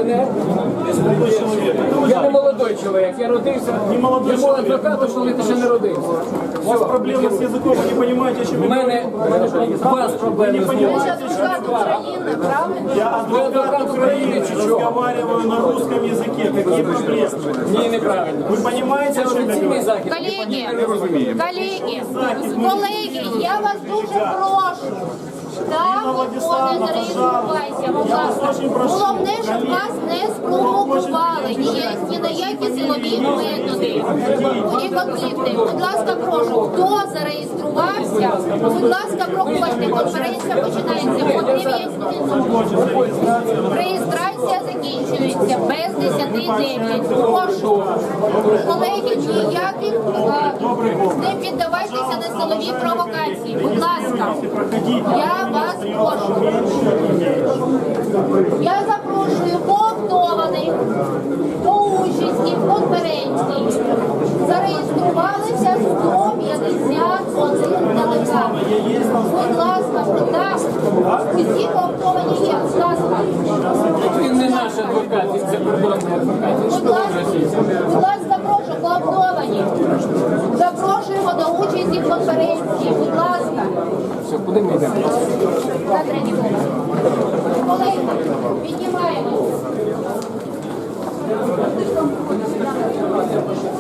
пенсіонер. Я не молодой чоловік, я родився. Йому адвокату, що ти ще не родився. У вас проблемы с языком, вы не понимаете, о чем У я мене у вас проблеми з мовою. Я адвокат Украины, разговариваю на русском языке. Какие проблемы? Ні, неправильно. Вы понимаете, Це о чем я офіційний говорю? захід. Колеги, я вас дуже прошу. Так, виходить, не реєструвайся, будь ласка. Головне, щоб вас не спровокували ні на які силові методи і конфлікти. Будь ласка, прошу, хто зареєструвався, будь ласка, проходьте, конференція починається о 9 хвилин. Реєстрація закінчується без 10:09. Прошу. Колеги, ніяких не піддавайтеся на силові провокації. Будь ласка, я вас прошу. Я запрошую повтованих до участі в конференції. Зареєструвалися 151 делегат. Будь ласка, так, усі повтовані є. Будь ласка. Він не наш адвокат, він закордонний адвокат. Він Будь ласка, прошу, повтовані. Запрошуємо до участі в конференції. Будь ласка. Все, куди ми йдемо? На третій поверх. Колеги, піднімаємося.